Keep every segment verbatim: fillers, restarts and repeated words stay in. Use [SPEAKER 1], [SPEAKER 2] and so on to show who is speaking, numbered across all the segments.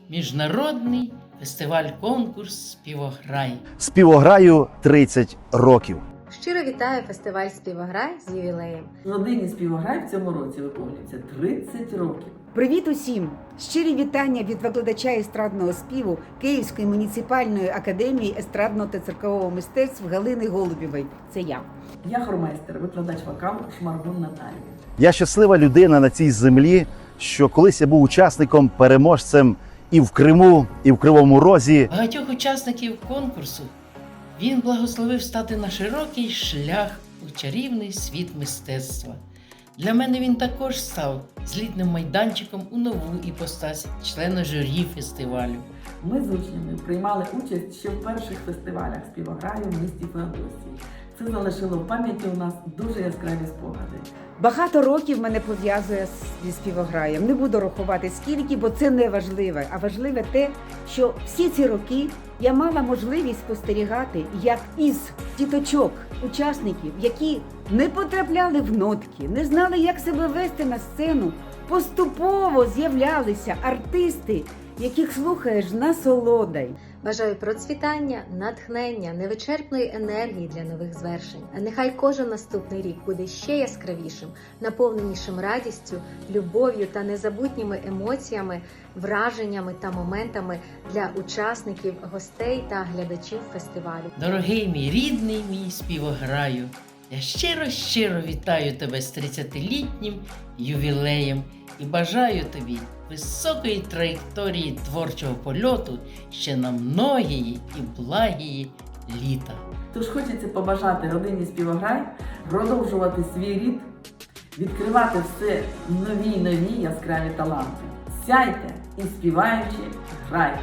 [SPEAKER 1] Міжнародний фестиваль-конкурс «Співограй».
[SPEAKER 2] Співограю тридцять років.
[SPEAKER 3] Щиро вітаю фестиваль «Співограй» з ювілеєм.
[SPEAKER 4] Родині «Співограй» в цьому році виповнюється тридцять років.
[SPEAKER 5] Привіт усім! Щирі вітання від викладача естрадного співу Київської муніципальної академії естрадного та циркового мистецтв Галини Голубєвої. Це я.
[SPEAKER 4] Я хормейстер, викладач вокалу Шмаргун Наталія.
[SPEAKER 2] Я щаслива людина на цій землі, що колись я був учасником, переможцем і в Криму, і в Кривому Розі.
[SPEAKER 1] Багатьох учасників конкурсу він благословив стати на широкий шлях у чарівний світ мистецтва. Для мене він також став злітним майданчиком у нову іпостась члена журі фестивалю.
[SPEAKER 4] Ми з учнями приймали участь ще в перших фестивалях «Співограю» в місті Феодосії. Це залишило в пам'яті у нас дуже яскраві спогади.
[SPEAKER 5] Багато років мене пов'язує зі співограєм. Не буду рахувати скільки, бо це не важливе. А важливе те, що всі ці роки я мала можливість спостерігати, як із діточок, учасників, які не потрапляли в нотки, не знали, як себе вести на сцену, поступово з'являлися артисти, яких слухаєш насолодой.
[SPEAKER 3] Бажаю процвітання, натхнення, невичерпної енергії для нових звершень. А нехай кожен наступний рік буде ще яскравішим, наповненішим радістю, любов'ю та незабутніми емоціями, враженнями та моментами для учасників, гостей та глядачів фестивалю.
[SPEAKER 1] Дорогий мій рідний мій співограю, я щиро-щиро вітаю тебе з тридцятилітнім ювілеєм і бажаю тобі високої траєкторії творчого польоту ще на многії і благії літа.
[SPEAKER 4] Тож хочеться побажати родині «Співограй» продовжувати свій рід, відкривати все нові й нові яскраві таланти. Сяйте і співаючи грайте.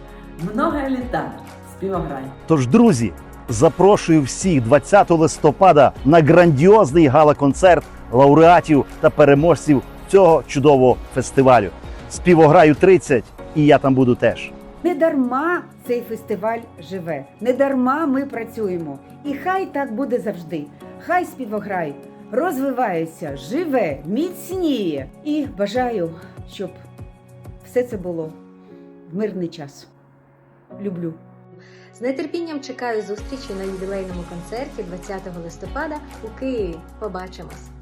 [SPEAKER 4] Много літа «Співограй».
[SPEAKER 2] Тож, друзі, запрошую всіх двадцятого листопада на грандіозний гала-концерт лауреатів та переможців цього чудового фестивалю. «Співограю тридцять» і я там буду теж.
[SPEAKER 5] Не дарма цей фестиваль живе, не дарма ми працюємо. І хай так буде завжди. Хай співограй розвивається, живе, міцніє. І бажаю, щоб все це було в мирний час. Люблю.
[SPEAKER 3] З нетерпінням чекаю зустрічі на ювілейному концерті двадцятого листопада у Києві. Побачимось!